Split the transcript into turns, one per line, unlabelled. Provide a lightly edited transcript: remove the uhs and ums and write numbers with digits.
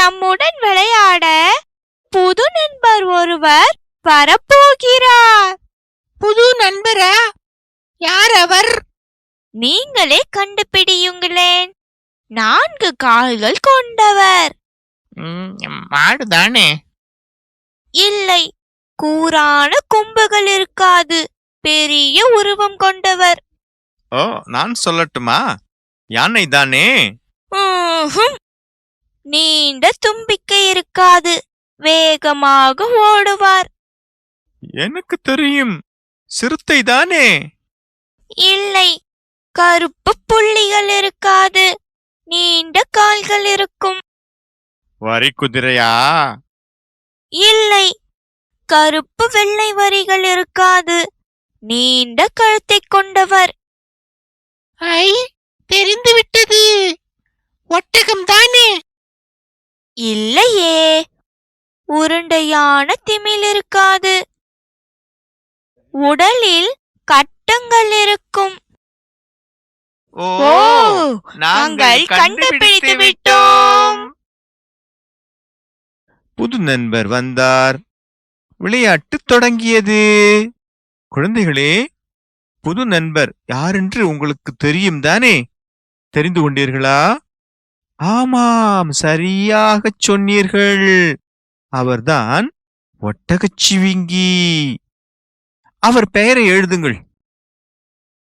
நம்முடன் விளையாட புது நண்பர் ஒருவர் வரப்போகிறார்.
புது நண்பரா? யார் அவர்?
நீங்களே கண்டுபிடியுங்களேன். 4 கால்கள் கொண்டவர்.
மாடுதானே?
இல்லை, கூரான கொம்புகள் இருக்காது, பெரிய உருவம் கொண்டவர்.
ஓ, நான் சொல்லட்டுமா? யானை தானே?
நீண்ட தும்பிக்கை இருக்காது, வேகமாக ஓடுவார்.
எனக்கு தெரியும், சிறுத்தை தானே?
இல்லை, கருப்பு புள்ளிகள் இருக்காது, நீண்ட கால்கள் இருக்கும்.
வரி குதிரையா?
இல்லை, கருப்பு வெள்ளை வரிகள் இருக்காது, நீண்ட கழுத்தை கொண்டவர்.
ஐ, தெரிந்துவிட்டது, ஒட்டகம் தானே?
இல்லையே, உருண்டையான திமில் இருக்காது, உடலில் கட்டங்கள் இருக்கும்.
ஓ,
நாங்கள் கண்டுபிடித்து விட்டோம்.
புது நண்பர் வந்தார், விளையாட்டு தொடங்கியது. குழந்தைகளே, புது நண்பர் யாரென்று உங்களுக்கு தெரியும் தானே? தெரிந்து கொண்டீர்களா? ஆமாம், சரியாகச் சொன்னீர்கள். அவர்தான் ஒட்டகச்சிவிங்கி. அவர் பெயரை எழுதுங்கள்.